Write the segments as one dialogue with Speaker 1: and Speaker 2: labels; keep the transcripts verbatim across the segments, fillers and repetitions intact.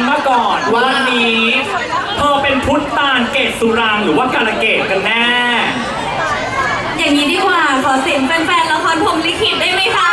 Speaker 1: มาก่อนวันนี้เธอเป็นพุทธตาลเกศสุรางหรือว่ากาลเกตกันแน่
Speaker 2: อย่างนี้ดีกว่าขอเสียงแฟนๆละครพรหมลิขิตได้ไหมคะ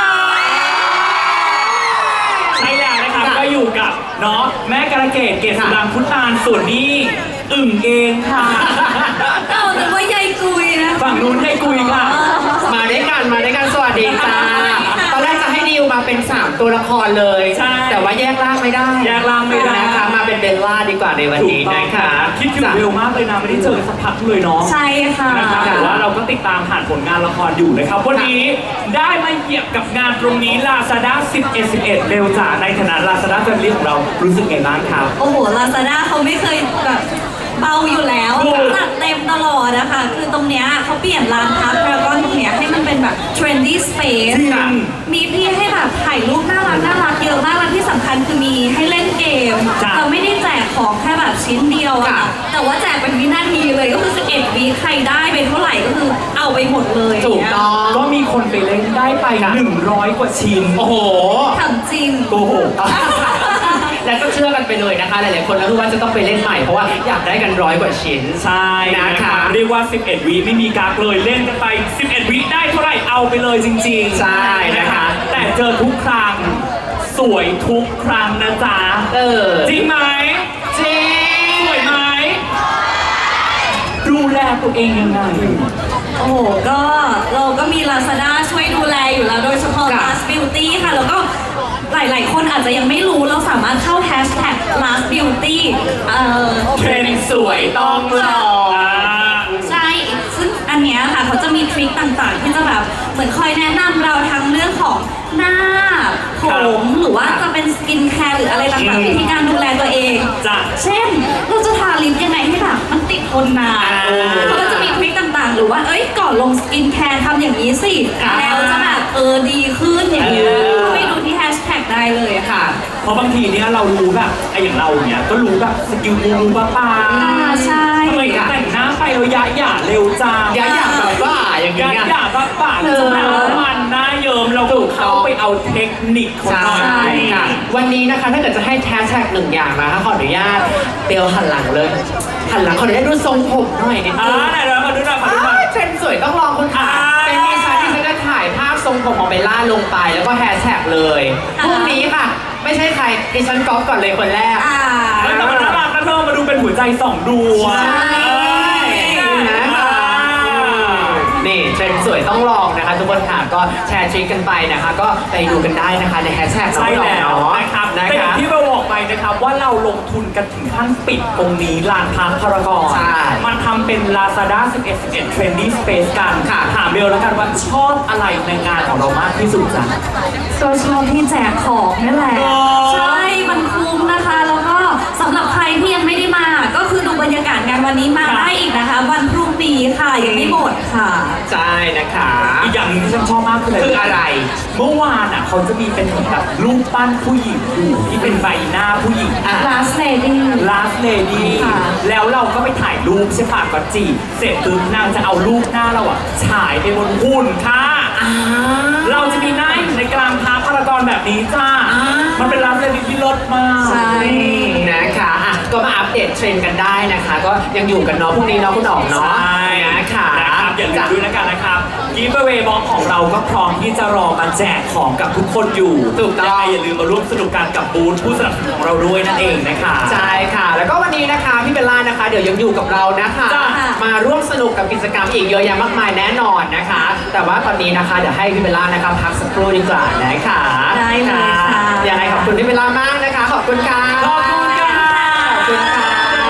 Speaker 1: ใช่แล้วนะครับก็อยู่กับเนาะแม่กาลเกตเกศสุรางพุทธตาลส่วนนี้อึ่งเองค่ะ
Speaker 2: เอาแต่ว่ายายกุยนะ
Speaker 1: ฝั่งนู้นยายกุยค่ะ
Speaker 3: มาด้วยกันมาด้วยกันสวัสดีจ้าตอนแรกจะให้ดิวมาเป็นสามตัวละครเลยแต่ว่าแยกร่างไม่ได้
Speaker 1: แยกร่างไม่ได้
Speaker 3: นะคะมาเป็นเบลล่าดีกว่าในวันนี้นะคะ
Speaker 1: คิดถึงเร็วมากเลยนะไม่ได้เจอสักพักเลยเนาะ
Speaker 2: ใช่ค่ะ
Speaker 1: แต่ว่าเราก็ติดตามผ่านผลงานละครอยู่นะครับวันนี้ได้มาเหยียบกับงานตรงนี้ Lazada สิบเอ็ด สิบเอ็ดเร็วจ๋าในฐานะ Lazada Family ของเรารู้สึกไงบ้างครับ
Speaker 2: โอ้โห Lazada เขาไม่เคยแบบเบาอยู่แล้วจัดเต็มตลอดนะคะคือตรงเนี้ยเขาเปลี่ยนร้านพักแล้วก็ตรงเนี้ยให้มันเป็นแบบ trendy space มีที่ให้แบบถ่ายรูปน่ารักน่ารักเยอะมากและที่สำคัญคือมีให้เล่นเกมเราไม่ได้แจกของแค่แบบชิ้นเดียวอะแต่ว่าแจกเป็นวินาทีเลยก็คือสิบเอ็ดวิใครได้ไปเท่าไหร่ก็คือเอาไปหมดเลย
Speaker 3: ถูกต้อง
Speaker 1: ก็มีคนไปเล่นได้ไปหนึ่งร้อยกว่าชิ้น
Speaker 3: โอ้โห
Speaker 2: ทำจริง
Speaker 1: โกหก
Speaker 3: แล้วก็เชื่อกันไปเลยนะคะหลายๆคนแล้วรู้ว่าจะต้องไปเล่นใหม่เพราะว่าอยากได้กันร้อยกว่าชิ้น
Speaker 1: ใช่นะคะเรียกว่าสิบเอ็ดวิไม่มีกักเลยเล่นกันไปสิบเอ็ดวิได้เท่าไหร่เอาไปเลยจริงๆ
Speaker 3: ใช่นะคะ
Speaker 1: แต่เจอทุกครั้งสวยทุกครั้งนะจ๊ะ
Speaker 3: เออ
Speaker 1: จริงไหม
Speaker 3: จริง
Speaker 1: สวยไหมดูแลตัวเองยังไง
Speaker 2: โอ้โหก็เราก็มี Lazada ช่วยดูแลอยู่แล้วโดยเฉพาะ Last Beauty ค่ะแล้วก็หลายๆคนอาจจะยังไม่รู้เราสามารถเข้า hashtag last beauty เอ่อ
Speaker 1: เทรนสวยต้องลอง
Speaker 2: ใช่ซึ่งอันเนี้ยค่ะเขาจะมีทริคต่างๆที่จะแบบเหมือนคอยแนะนำเราทั้งเรื่องของหน้าผมหรือว่าจะเป็นสกินแคร์หรืออะไรต่างๆวิธีการดูแลตัวเองเช่นเราจะทาลิปยังไงให้แบบมันติดทนนานเขาก็จะมีทริคต่างๆหรือว่าเอ้ยก่อนลงสกินแคร์ทำอย่างนี้สิแล้วจะแบบเออดีขึ้นอย่างนี้ไปดูที่แฮชแท็กได้เลยค่ะ
Speaker 1: เพราะบางทีเนี้ยเรารู้แบบไอ้อย่างเราเนี้ยก็รู้แบบสกิลกูรูป้าป้า
Speaker 2: ใช่
Speaker 1: ทำไมแต่งหน้าไปเรายะหย่าเร็วจัง
Speaker 3: ยะหย่าแบบว่าอย่างเงี้ย
Speaker 1: ยะหย่าแบบป่าจะหน้ามันหน้าเยิ้มเราเข้าไปเอาเทคนิคของเรา
Speaker 3: ค่ะวันนี้นะคะถ้าเกิดจะให้แฮชแท็กหนึ่งอย่างนะคะขออนุญาตเบลหันหลังเลยหันหลังขออนุญาตดูทรงผมหน่อยนิดนึง
Speaker 1: อ่าไหนเรามาดูหน่อยมาดูหน่อย
Speaker 3: เทรนสวยต้องลองคุณค่ะเป็นดิฉันที่ฉันจะถ่ายภาพทรงผมของเบลล่าลงไปแล้วก็แฮชแท็กเลยพรุ่งนี้ค่ะไม่ใช่ใครดิฉันก๊อปก่อนเลยคนแรก
Speaker 1: แต่มันน่ารักนะเธอมาดูเป็นหัวใจสองดวง
Speaker 3: นี่เทรนสวยต้องลองนะคะทุกคนค่ะก็แชร์ทริคกันไปนะคะก็ไปดูกันได้นะคะในแฮชแท็ก
Speaker 1: น้องๆเนาะนะครับแต่อย่างที่เราบอกไปนะครับว่าเราลงทุนกันถึงขั้นปิดตรงนี้ลานพาร์คพารากอนมันทำเป็น Lazada สิบเอ็ด สิบเอ็ด Trendy Space กันถามเบลแล้วกันว่าชอบอะไรในงานของเรามากที่สุดจ้ะ
Speaker 2: ก็ชอบที่แจกของนี่แหละใช่มันคุ้มนะคะแล้วก็สำหรับใครที่ยังไม่ได้มาก็คือดูบรรยากาศงานวันนี้มาได้อีกนะคะวันพรุ่งนี้ค่ะยังไม่หมดค่ะ
Speaker 3: ใช่นะคะ
Speaker 1: อีกอย่างนึงที่ฉันชอบมากคือ
Speaker 3: อะไร
Speaker 1: เมื่อวานอ่ะเขาจะมีเป็นแบบรูปปั้นผู้หญิงอยู่ที่เป็นใบหน้าผู้หญิง
Speaker 2: last lady
Speaker 1: last lady แล้วเราก็ไปถ่ายรูปใช่ปะก็จีเสร็จปุ๊บนางจะเอารูปหน้าเราอ่ะฉายไปบนหุ่นค่ะเราจะมีหน้าอยู่ในกลางพาร์คพารากอนแบบนี้จ้ามันเป็น last lady ที่เลิศมาก
Speaker 3: ใช่นะคะก็มาอัปเดตเทรนด์กันได้นะคะก็ยังอยู่กันเนาะพรุ่งนี้เนาะคุณอ๋อมเนาะ
Speaker 1: ใช่
Speaker 3: นะคะ
Speaker 1: อย่าลืมด้วยแล้วกันนะครับกิฟต์เวย์บ็อกของเราก็พร้อมที่จะรอมาแจกของกับทุกคนอยู่
Speaker 3: ถูกต้อง
Speaker 1: อย่าลืมมาร่วมสนุกกันกับบูธผู้สนับสนุนของเราด้วยนั่นเองนะคะ
Speaker 3: ใช่ค่ะแล้วก็วันนี้นะคะพี่เบลล่านะคะเดี๋ยวยังอยู่กับเรานะคะมาร่วมสนุกกับกิจกรรมอีกเยอะแยะมากมายแน่นอนนะคะแต่ว่าตอนนี้นะคะเดี๋ยวให้พี่เบลล่านะคะพักสักครู่ดีกว่านะคะ
Speaker 2: ได้เลยค่ะ
Speaker 3: ยังไงขอบคุณพี่เบลล่ามากนะคะขอบคุณค่ะ
Speaker 1: ขอบคุณค่ะ
Speaker 3: ขอบคุณค่ะ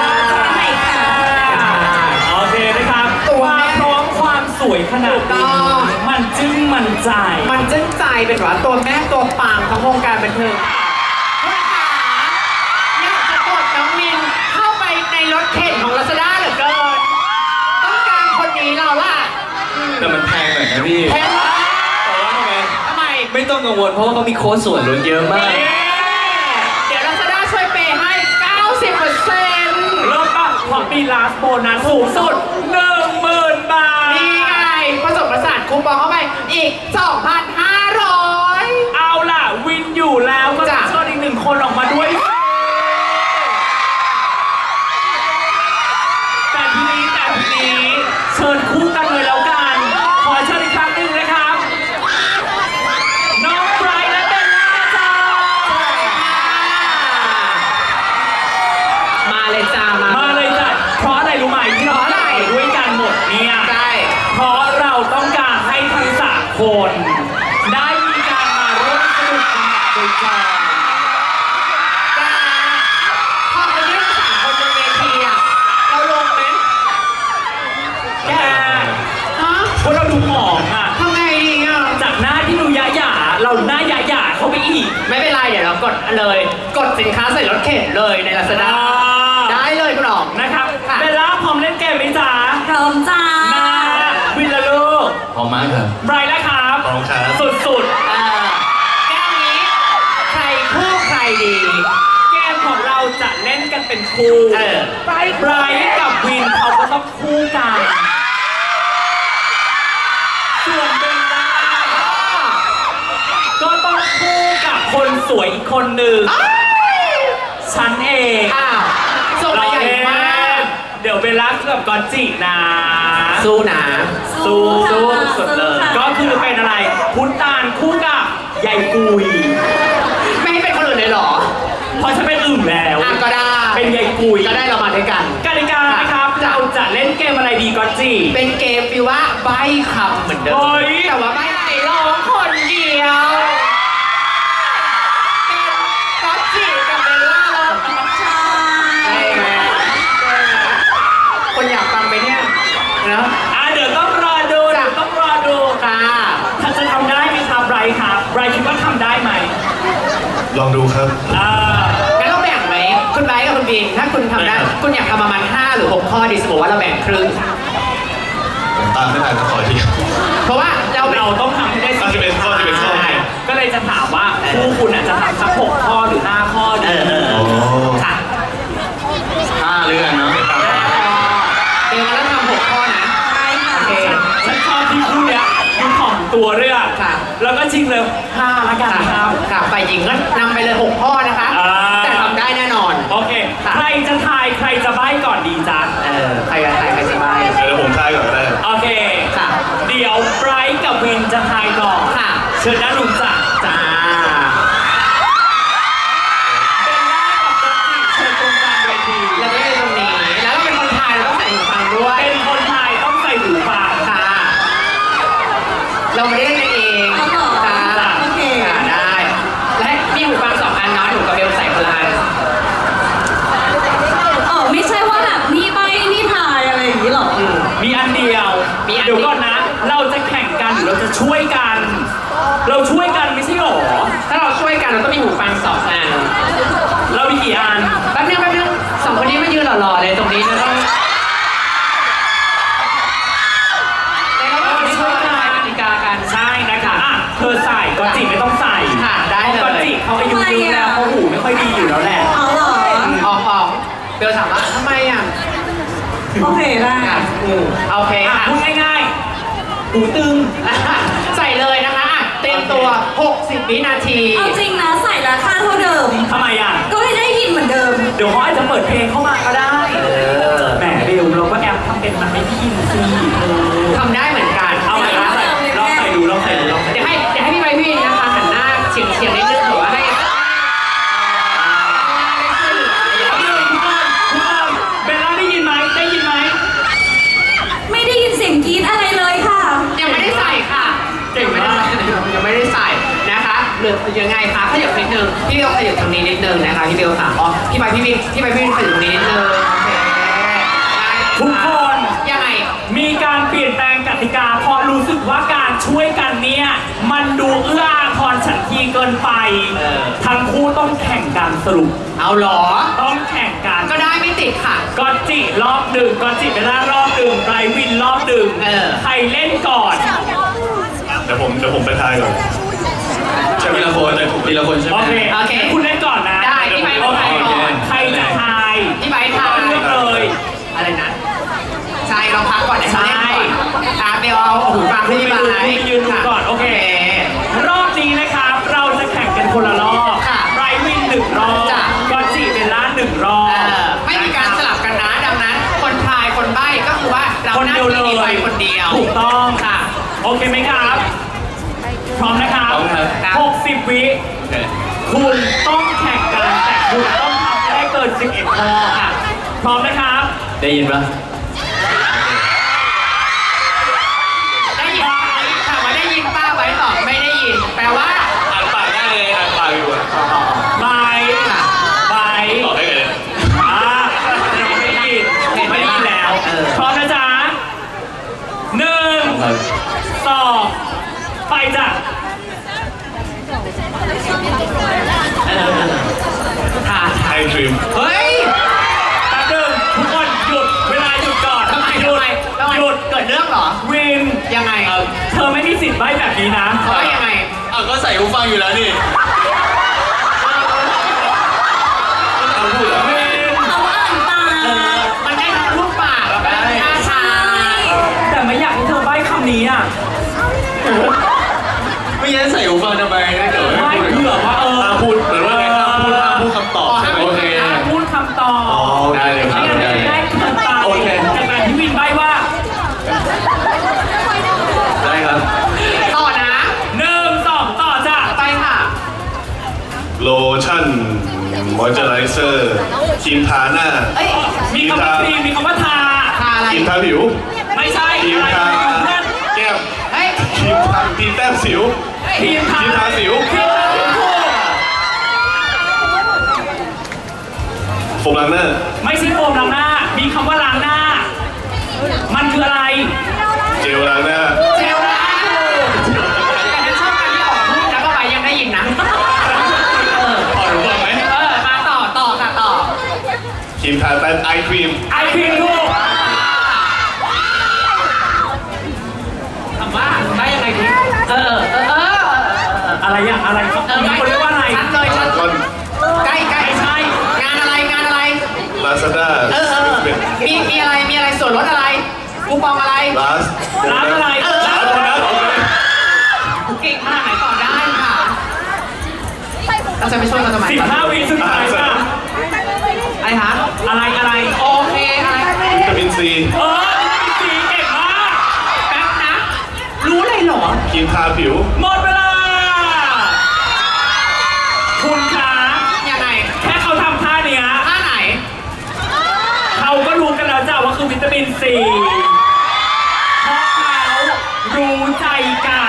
Speaker 1: โอเคนะครับตัวพร้อมความสวยขนาดนี้มันจึ้งมันใจ
Speaker 3: มันจึ้งใจเป็นว่าตัวแม่ตัวปังทั้งวงการบันเทิงคุณขาอยากจะกดน้องมินเข้าไปในรถเข็นของ Lazada เหลือเกินต้องการคนนี้เราล่ะ
Speaker 4: แต่มันแพงหน่อยนะพี่
Speaker 3: แพงมาก
Speaker 4: แต่ว่าทำไม
Speaker 3: ทำไม
Speaker 4: ไม่ต้องกังวลเพราะว่าเขามีโค้ดส่วนลดเยอะมาก
Speaker 3: เดี๋ยว Lazada ช่วยเปย์ให้ เก้าสิบเปอร์เซ็นต์
Speaker 1: เริ่มป่ะพอมีลาสโบนัสสูงสุดหนึ่งหมื่นบาท
Speaker 3: นี่ไงผสมประสานคูปองเข้าไปอีก สองพันห้าร้อย
Speaker 1: เอาล่ะวินอยู่แล้วก็จะเชิญอีกหนึ่งคนออกมาด้วยดูหอมอ่ะ
Speaker 3: ทำไงดีอ่ะ
Speaker 1: จากหน้าที่ดูยะหยาเราหน้ายะหยาเข้าไปอีก
Speaker 3: ไม่เป็นไรเดี๋ยวเรากดเลย กดสินค้าใส่รถเข็นเลยใน Lazada
Speaker 1: อ่า
Speaker 3: ได้เลยคุณอ๋อง
Speaker 1: นะครับ
Speaker 3: ค่ะ
Speaker 1: เบลล่าพร้อมเล่นเกมไหมจ๊ะ
Speaker 2: พร้อมจ้า
Speaker 1: มาวินละลูก
Speaker 4: พร้อมมากครับ
Speaker 1: ไบรท์แล้วครับ
Speaker 4: พร้อมครับ
Speaker 1: สุด
Speaker 3: เออแก้วนี้ใครคู่ใครดี
Speaker 1: ๆ เกมของเราจะเล่นกันเป็นคู่
Speaker 3: เออ
Speaker 1: ไบรท์ไบรท์กับวินเขาก็ต้องคู่กัน ส่วนเบลล่าก็ต้องคู่กับคนสวยอีกคนหนึ่ง ฉันเอง
Speaker 3: อ้าวส่งมาใหญ่มาก
Speaker 1: เดี๋ยวเบลล่ากับกอนจินะ
Speaker 3: สู้นะ
Speaker 1: สู้
Speaker 2: สู้
Speaker 1: สู้
Speaker 2: ค่ะ
Speaker 1: สุดเลย
Speaker 2: สู้ค่ะ
Speaker 1: ก็คือเป็นอะไร พุทตานคู่กับยายกุย
Speaker 3: ไม่ให้เป็นคนอื่นเลยเหรอ
Speaker 1: เพราะฉันเป็นอึ่งแล้ว
Speaker 3: อ่ะก็ได้
Speaker 1: เป็นยายกุย
Speaker 3: ก็ได้เรามาด้วยกัน
Speaker 1: กติกานะครับ เราจะเล่นเกมอะไรดีกอนจิ
Speaker 3: เป็นเกมฟีลว่าใบคำเหมือนเดิม
Speaker 1: เฮ้ย
Speaker 3: แต่ว่าใบไหนร้องคนเดียวเป็นก๊อตจิกับเบลล่าร้อง
Speaker 2: ใช่
Speaker 3: ได้ไหมคนอยากฟังไปเนี่ยเนาะ
Speaker 1: อ่ะเดี๋ยวต้องรอดูเดี๋ยวต้องรอดู
Speaker 3: ค่ะ
Speaker 1: ถ้าจะทำได้ไหมครับไบรท์ครับไบรท์คิดว่าทำได้ไหม
Speaker 4: ลองดูครับ
Speaker 1: อ่า
Speaker 3: งั้นเราแบ่งไหมคุณไบร์ทกับคุณบิน ถ้าคุณทำได้
Speaker 4: ได้ครับ
Speaker 3: คุณอยากทำประมาณห้าหรือหกข้อดีสมมติว่าเราแบ่งครึ่ง
Speaker 4: ผมตามไม่ทันขอที
Speaker 3: เพราะว่าเรา
Speaker 1: เราต้องทำให้ได้
Speaker 4: เอาสิบเอ็ดข้อสิบเอ็ดข้อ
Speaker 1: ใช่ก็เลยจะถามว่าคู่คุณอาจจะทำสักหกข้อหรือห้าข้อดี
Speaker 4: โอ้
Speaker 3: ค่ะ
Speaker 4: ห้าเรื่องเนาะ
Speaker 3: เดี๋ยวเราทำหกข้อนะ
Speaker 2: ใช่ค่ะ
Speaker 3: โอเค
Speaker 1: ฉันชอบที่คู่เนี้ยคุณถ่อมตัวเรื่อง
Speaker 3: ค่ะ
Speaker 1: แล้วก็ชิงเลยห้าละกัน
Speaker 3: ค่ะ
Speaker 1: ครับ
Speaker 3: ค่ะฝ่ายหญิงก็นำไปเลยหกข้อนะคะ
Speaker 1: อ่า
Speaker 3: แต่ทำได้แน่นอน
Speaker 1: โอเค
Speaker 3: ค่ะ
Speaker 1: ใครจะทายใครจะใบ้ก่อนดีจ๊ะ
Speaker 3: เออ ใครกับใครใครสบาย
Speaker 4: เดี๋ยวผมทายก่อนก็ได้
Speaker 1: โอเค
Speaker 3: ค่ะ
Speaker 1: เดี๋ยวไบรท์กับวินจะทายก่อน
Speaker 3: ค่ะ
Speaker 1: เชิญด้านลุงจ้ะ
Speaker 3: จ้า
Speaker 1: เบลล่ากับจัสติเชิญตรงกลางเวที
Speaker 3: เราได้ตรงนี้ แล้วเราเป็นคนไทยเราต้องใส่หูฟังด้วย
Speaker 1: เป็นคนทายต้องใส่หูฟัง
Speaker 3: ค่ะ เราไม่ได้เล่นเอง
Speaker 2: เอาเหรอ
Speaker 3: ค่ะ
Speaker 2: โอเค
Speaker 3: ค่ะได้ และมีหูฟังสองอันเนาะหนูกับเบลใส่คนละอัน
Speaker 2: เออไม่ใช่ว่าแบบนี่ใบนี่ทายอะไรอย่างนี้หรอ
Speaker 3: อืม
Speaker 1: มีอันเดียว
Speaker 3: มีอันเดียว
Speaker 1: เดี๋ยวก่อนนะ เราจะแข่งกันหรือเราจะช่วยกัน เราช่วยกันไม่ใช่หรอ
Speaker 3: ถ้าเราช่วยกันเราต้องมีหูฟังสองอัน
Speaker 1: เรามีกี่อัน
Speaker 3: แป๊บนึงแป๊บนึงสองคนนี้มายืนหล่อๆเลยตรงนี้นะต้องแต่เราต้องช่วยกันกติกากัน
Speaker 1: ใช่นะคะอ่ะเธอใส่ก็จิไม่ต้องใส่
Speaker 3: ค่ะได้เลย
Speaker 1: พราะก็จิเขาอายุเยอะแล้วเขาหูไม่ค่อยดีอยู่แล้วแหละ
Speaker 2: เอาเหรอ
Speaker 3: ออกออกเบลถามว่าทำไมอ่ะ
Speaker 2: โอเคได้
Speaker 3: อ่ะอืมโอเค
Speaker 1: อ่ะ
Speaker 3: ค่ะ
Speaker 1: พูดง่ายๆหูตึง
Speaker 3: ใส่เลยนะคะอ่ะเตรียมตัว หกสิบ วินาที
Speaker 2: เอาจริงนะใส่ราคาเท่าเดิม
Speaker 1: ทำไมอ่ะ
Speaker 2: ก็ไม่ได้ยินเหมือนเดิม
Speaker 1: เดี๋ยวเขาอาจจะเปิดเพลงเข้ามาก็ได้
Speaker 3: เออ
Speaker 1: แหมเบลเราก็แอบทำเป็นมันไม่ได้ยินสิเออ
Speaker 3: ทำได้เหมือนกัน
Speaker 1: เอาไปลองใส่ลองใส่ดูลองใส่ดูลองใส่
Speaker 3: เดี๋ยวให้เดี๋ยวให้พี่ใบพี่นะคะหันหน้าเฉียงเฉียงนิดนึงหรือว่าให้
Speaker 1: เอาเลยทุกคนทุกคนเบลล่าได้ยินไหมได้ยินไหม
Speaker 2: ไม่ได้ยินเสียงกรี๊ดอะไรเลยค่ะ
Speaker 3: ยังไม่ได้ใส่ค่ะยังไม่ได้ใส่ยังไม่ได้ใส่นะคะหรือยังไงคะขยับนิดนึงพี่เบลขยับตรงนี้นิดนึงนะคะพี่เบลค่ะอ๋อพี่ใบพี่พี่พี่ใบพี่ขยับตรงนี้นิดนึงโอเคได้
Speaker 1: ทุกคน
Speaker 3: ยังไง
Speaker 1: มีการเปลี่ยนแปลงกติกาเพราะรู้สึกว่าการช่วยกันเนี่ยมันดูเอื้ออาทรฉันทีเกินไป
Speaker 3: เออ
Speaker 1: ทั้งคู่ต้องแข่งกันสรุป
Speaker 3: เอาเหรอ
Speaker 1: ต้องแข่งกัน
Speaker 3: ก็ได้ไม่ติดค่ะ
Speaker 1: กอนจิรอบหนึ่งกอนจิเบลล่ารอบหนึ่งไบรท์วินรอบหนึ่ง
Speaker 3: เออ
Speaker 1: ใครเล่นก่อน
Speaker 4: เดี๋ยวผมเดี๋ยวผมไปทายก่อนใช่ทีละคนทีละคนใช่ไหม
Speaker 1: โอเค
Speaker 3: โอเค
Speaker 1: งั้นคุณเล่นก่อนนะ
Speaker 3: ได้พี่ไบร์ท
Speaker 1: โอเค
Speaker 3: ไปก่อน
Speaker 1: ใครจะทาย
Speaker 3: พี่ใบทา
Speaker 1: ก็เลือกเลย
Speaker 3: อะไรนะใช่เราพักก่อนเดี๋ยวเขาเล่นก่อน
Speaker 1: ใช่
Speaker 3: อ่ะเบลเอาหูฟังให้พี่ใบ
Speaker 1: คุณไปยืนดูก่อนโอเค รอบนี้นะครับ เราจะแข่งกันคนละรอบ
Speaker 3: ค่ะ
Speaker 1: ไบรท์วินหนึ่งรอบ
Speaker 3: จ้ะ
Speaker 1: กอนจิเบลล่าหนึ่งรอบ
Speaker 3: เออไม่มีการสลับกันนะดังนั้น คนทายคนใบ้ก็คือว่าเรา
Speaker 1: คน
Speaker 3: หน้า
Speaker 1: เดียวเล
Speaker 3: ที่
Speaker 1: ย
Speaker 3: ไปคนเดียว
Speaker 1: ถูกต้อง
Speaker 3: ค่ะ
Speaker 1: โอเคไหมครับ พร้อมนะครับ
Speaker 4: พร้อมครับ
Speaker 1: หกสิบวิ
Speaker 4: โอเค
Speaker 1: คุณต้องแข่งกันแต่คุณต้องทำให้ได้เกินสิบเอ็ดข้อค่ะ พร้อมนะครับ
Speaker 4: ได้ยินปะ
Speaker 3: ได้ยินไหมถามว่าได้ยินป้าไว้ตอบไม่ได้ยิน แปลว่า
Speaker 4: อ่านปากได้เลยอ่านปากอยู่อ่ะ
Speaker 1: บาย
Speaker 3: ค่ะ
Speaker 1: บาย
Speaker 4: ตอบได้เลย
Speaker 1: อ่าไม่ได้ยินไม่ได้ยินแล้ว
Speaker 3: เออ
Speaker 1: พร้อมนะจ๊ะหนึ่ง
Speaker 4: ครับ
Speaker 1: จ้ะ
Speaker 3: ค่ะ
Speaker 4: ไอดรีม
Speaker 3: เฮ้ย
Speaker 1: แป๊บนึงทุกคนหยุดเวลาหยุดก่อน
Speaker 3: ทำไม
Speaker 1: หยุ
Speaker 3: ทำ
Speaker 1: ด
Speaker 3: ไมทำไม
Speaker 1: หยุด
Speaker 3: เกิดเรื่องเหรอ
Speaker 1: วิน
Speaker 3: ยังไง
Speaker 1: เอ่อเธอไม่มีสิทธิ์ใบ้แบบนี้นะ
Speaker 3: เขาว่ายังไง
Speaker 4: อ่ะก็ใส่หูฟังอยู่แล้วนี่เอาพูดเหรอ
Speaker 1: วิน
Speaker 2: เขาอ่านตาม
Speaker 3: มันได้ทั้งรูปปากแล้วก็ได้ท่าทาง
Speaker 1: แต่ไม่อยากให้เธอใบ้คำนี้อ่ะ
Speaker 4: ไม่งั้นใส่หูฟังทำไมถ้าเกิด
Speaker 1: ใบ้เผื่อว่าเออ
Speaker 4: ห้ามพูดเหมือนว่าไงห้ามพูดห้ามพูดคำตอบใช่ไหมโอเค
Speaker 1: ห้ามพูดคำตอบ
Speaker 4: อ๋อได้เลยครับ
Speaker 1: ไม่งั้น
Speaker 4: ได้
Speaker 1: จะ
Speaker 4: เลย
Speaker 1: ได้คำตอบ
Speaker 4: โอเค
Speaker 1: จากการที่วินใบ้ว่า
Speaker 4: ได้ครับ
Speaker 3: ต่อนะ
Speaker 1: หนึ่งสองต่อจ้ะ
Speaker 3: ไปค่ะ
Speaker 4: โลชั่นมอยเจอไรเซอร์ครีมทาหน้า
Speaker 3: เอ้ย
Speaker 1: มีคำว่าครีมมีคำว่าทา
Speaker 3: ทาอะไร
Speaker 4: ครีมทาผิว
Speaker 1: ไม่ใช่
Speaker 4: ครีม
Speaker 1: อะไร
Speaker 4: ทา
Speaker 1: เพื่อน
Speaker 4: แก้ม
Speaker 3: เฮ้ย
Speaker 4: ครีมทาครีมแต้มสิว
Speaker 1: ครีมทา
Speaker 4: ครีมทาสิว
Speaker 1: ครีมทาสิวถูก
Speaker 4: โฟมล้างหน้า
Speaker 1: ไม่ใช่โฟมล้างหน้า มีคำว่าล้างหน้า มันคืออะไร
Speaker 4: เจลล้างหน้า
Speaker 3: เจลล้างถูกแต่ฉันชอบการที่ออกพูดแล้วก็ไปยังได้ยินนะ เออ
Speaker 4: พอรู้บ้างไหม
Speaker 3: เออ มาต่อ ต่อค่ะต่อ
Speaker 4: ครีมทาแต้มไอครีม
Speaker 1: ไอครีมถูก
Speaker 3: ถามว่าได้ยังไงดีเออ เออ เออ
Speaker 1: อะไรอะอะไรเขา
Speaker 3: เออ
Speaker 1: มีคนเรียกว่าอะไร
Speaker 3: ชัดเลยชัด
Speaker 4: ก่อน
Speaker 3: ใกล้ใกล้
Speaker 1: ไม่ใช่
Speaker 3: งานอะไร งานอะไร
Speaker 4: ลาซาด้า
Speaker 3: เออเออ มี มีอะไร มีอะไร ส่วนลดอะไร คูปองอะไร
Speaker 4: ลาส
Speaker 1: ร้านอะไร
Speaker 3: เออ
Speaker 4: ร้านโบนัสโอเค
Speaker 3: เก่งขนาดไหนต่อได้ค่ะ เราจะไปช่วยกันทำไม
Speaker 1: สิบห้าวิสุดท้ายจ้ะ
Speaker 3: อะไรคะ
Speaker 1: อะไรอะไร
Speaker 3: โอเค อะไร
Speaker 4: วิตามินซี
Speaker 1: เออสีเก่งมาก
Speaker 3: แป๊บนะ รู้เลยเหรอ
Speaker 4: ครีมทาผิว
Speaker 1: หมดเวลา คุณคะ
Speaker 3: ยังไง
Speaker 1: แค่เขาทำท่าเนี้ย
Speaker 3: ท่าไหน
Speaker 1: เขาก็รู้กันแล้วจ้ะว่าคือวิตามินซีเพราะเขารู้ใจกัน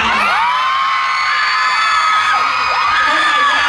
Speaker 1: เข้าใจยัง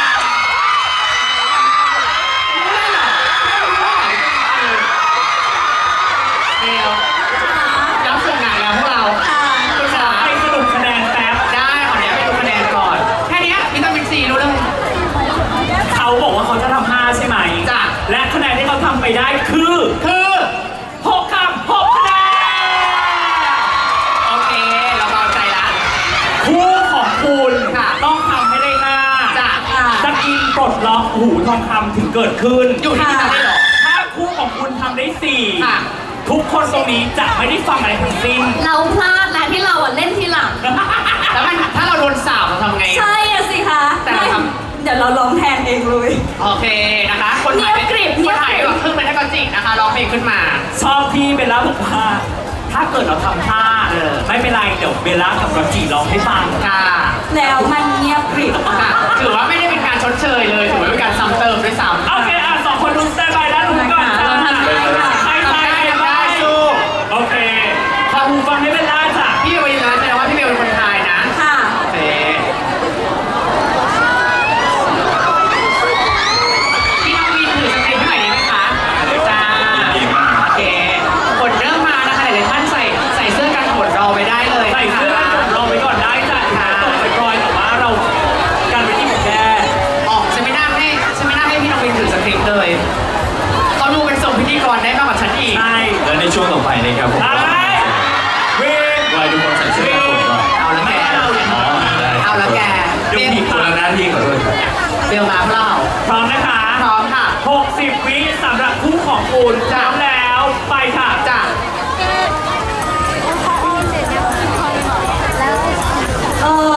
Speaker 3: เดียวรับส่งงานแล้วพวกเรา
Speaker 2: ค่ะ
Speaker 3: คุณขา
Speaker 1: ให้สรุปคะแนนแป๊บ
Speaker 3: ได้ขออนุญาตไปดูคะแนนก่อน แค่เนี้ยวิตามินซีรู้เลย
Speaker 1: เขาบอกว่าเขาจะทำห้าใช่ไหม
Speaker 3: จ้ะ
Speaker 1: และคะแนนที่เขาทำไปได้คือ
Speaker 3: คือ
Speaker 1: หกคำหกคะแนน
Speaker 3: โอเค เราเบาใจละ
Speaker 1: คู่ของคุณ
Speaker 3: ค่ะ
Speaker 1: ต้องทำให้ได้ห้า
Speaker 3: จ้ะ
Speaker 1: สกินปลดล็อกหูทองคำถึงเกิดขึ้น
Speaker 3: อยู่ที่นี่ได้เหรอ
Speaker 1: ถ้าคู่ของคุณทำได้สี่
Speaker 3: ค่ะ
Speaker 1: ทุกคนตรงนี้จะไม่ได้ฟังอะไรทั้งสิ้น
Speaker 2: เราพลาดแล้วที่เราอ่ะเล่นทีหลัง
Speaker 3: แล้วมันถ้าเราโดนสาบเราทำไง
Speaker 2: ใช่อะสิคะ
Speaker 3: แต่เราท
Speaker 2: เดี๋ยวเราร้องแทนเองเลย
Speaker 3: โอเคนะคะ คนถ่าย
Speaker 2: เงียบกริบ
Speaker 3: ค
Speaker 2: เงีย
Speaker 3: น
Speaker 2: บกริบ
Speaker 3: ถ่ายก็ขึ้นไปได้ก็จริงนะคะร้องเพลงขึ้นมา
Speaker 1: ชอบที่เบลล่าบอกว่า ถ้าเกิดเราทำท่า
Speaker 3: เออ
Speaker 1: ไม่เป็นไรเดี๋ยวเบลล่ากับรอนจีร้องให้ฟัง
Speaker 3: ค่ะ
Speaker 2: แล้วมันเงียบกริบ
Speaker 3: ค่ะถือว่าไม่ได้เป็นการชดเชยเลยถือว่าเป็นการซ้ำเติมด้วยซ้ำ
Speaker 1: โอเคอ่ะสองคนดูสแตนบายแล้วดูก่อนจ้า
Speaker 2: เราทำได้ค่ะ
Speaker 1: ใครใคร
Speaker 3: ทำได้
Speaker 1: ใคร
Speaker 3: ทำได้
Speaker 1: สู้ โอเค ขอหูฟังให้เบลล่าจ้ะ
Speaker 3: พี่เบลยืนยันแสดงว่าพี่เบลเป็นคนไทยนะ
Speaker 2: ค่ะ
Speaker 3: โอเคพี่น้องวินถือสเต็ปให้หน่อยได้ไหมคะจ้าโอเคกดเริ่มมานะคะหลายๆท่านใส่ใส่เสื้อกันฝนรอไปได้เลย
Speaker 1: ใส่เสื้อกันฝนรอไปก่อนได้จ้ะถึงจะตกปล่อยๆแต่ว่าเรากันไปที่หมดแค่
Speaker 3: ออกฉันไม่น่าให้ฉันไม่น่าให้พี่น้องวินถือสคริปต์เลยเขาดูเป็นส่งพิธีกรได้มากกว่าฉันอีก
Speaker 1: ใช่
Speaker 4: และในช่วงต่อไปนะครับผม
Speaker 1: ไอ้วิน
Speaker 4: วายทุกคนใส่เสื้อกันฝนก่อน
Speaker 3: เอาละแก
Speaker 4: อ๋อได้
Speaker 3: เอาละแก
Speaker 1: เดี๋ยวผี
Speaker 4: คนละหน้าที่ขอโทษครับ
Speaker 3: เบลมาเปล่า
Speaker 1: พร้อมนะคะ
Speaker 3: พร้อมค่ะ
Speaker 1: หกสิบวิสำหรับคู่ของคุณพร้อมแล้ว ไปค่ะ
Speaker 3: จ้ะ
Speaker 1: ห